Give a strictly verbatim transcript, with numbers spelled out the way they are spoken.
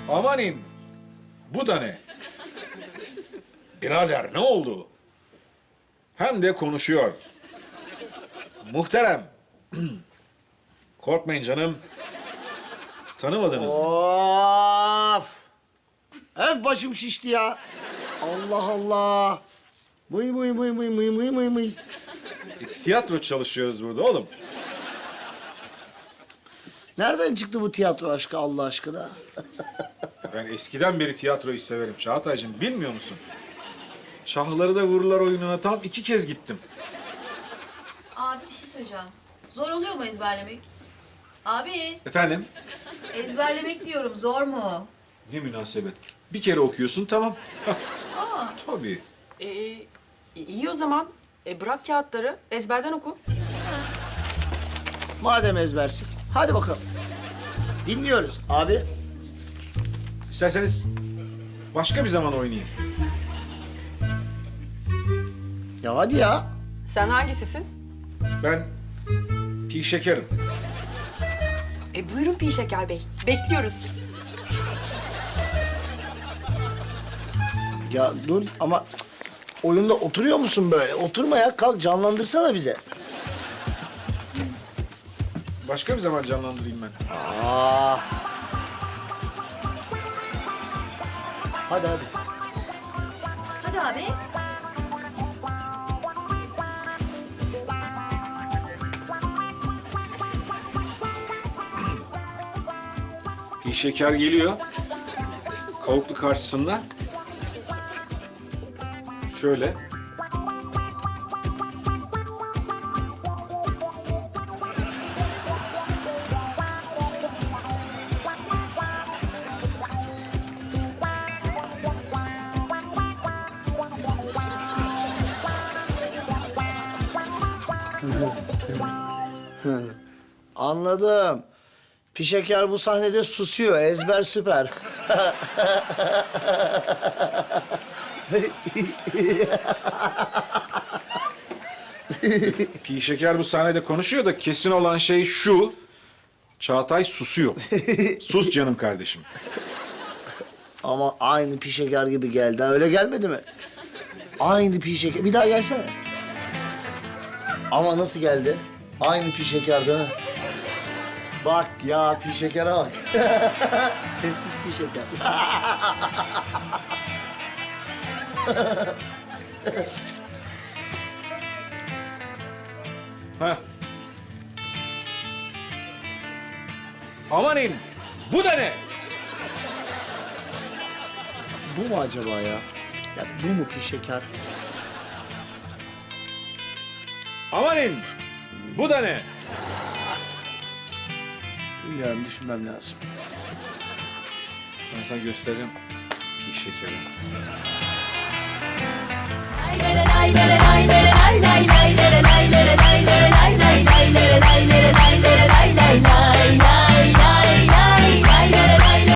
Amanin, bu da ne? Birader ne oldu? Hem de konuşuyor. Muhterem. Korkmayın canım. Tanımadınız mı? Of! Hep başım şişti ya. Allah Allah. Mıy mıy mıy mıy mıy mıy mıy mıy. Tiyatro çalışıyoruz burada oğlum. Nereden çıktı bu tiyatro aşkı Allah aşkına? Ben eskiden beri tiyatroyu severim Çağatay'cığım. Bilmiyor musun? Şahları da vururlar oyununa tam iki kez gittim. Abi bir şey söyleyeceğim. Zor oluyor mu ezberlemek? Abi Efendim? ezberlemek diyorum zor mu? Ne münasebet. Bir kere okuyorsun tamam. Aa, Tabii. Ee, iyi o zaman. E, bırak kağıtları, ezberden oku. Madem ezbersin, hadi bakalım. Dinliyoruz abi. İsterseniz başka bir zaman oynayayım. Ya hadi ya. Sen hangisisin? Ben pi şekerim. E, buyurun Pi Şeker Bey. Bekliyoruz. Ya dur ama cık, oyunda oturuyor musun böyle? Oturma ya, kalk canlandırsana bize. Başka bir zaman canlandırayım ben. Aa. Hadi hadi. hadi abi. Pi şeker geliyor. Kavuklu karşısında. Şöyle. Anladım. Pişeker bu sahnede susuyor. Ezber süper. Pi şeker bu sahnede konuşuyor da kesin olan şey şu. Çağatay susuyor. Sus canım kardeşim. Ama aynı pişeker gibi geldi. Ha, öyle gelmedi mi? Aynı pişeker. Bir daha gelsene. Ama nasıl geldi? Aynı pişeker değil mi? Bak ya pişekere bak. Sessiz pişeker. Heh. Amanin, bu da ne? Bu mu acaba ya? Ya bu mu pişeker? Amanin, bu da ne? Bilmiyorum, düşünmem lazım. Ben sana göstereceğim. Pi şekeri. Lay lay lay lay lay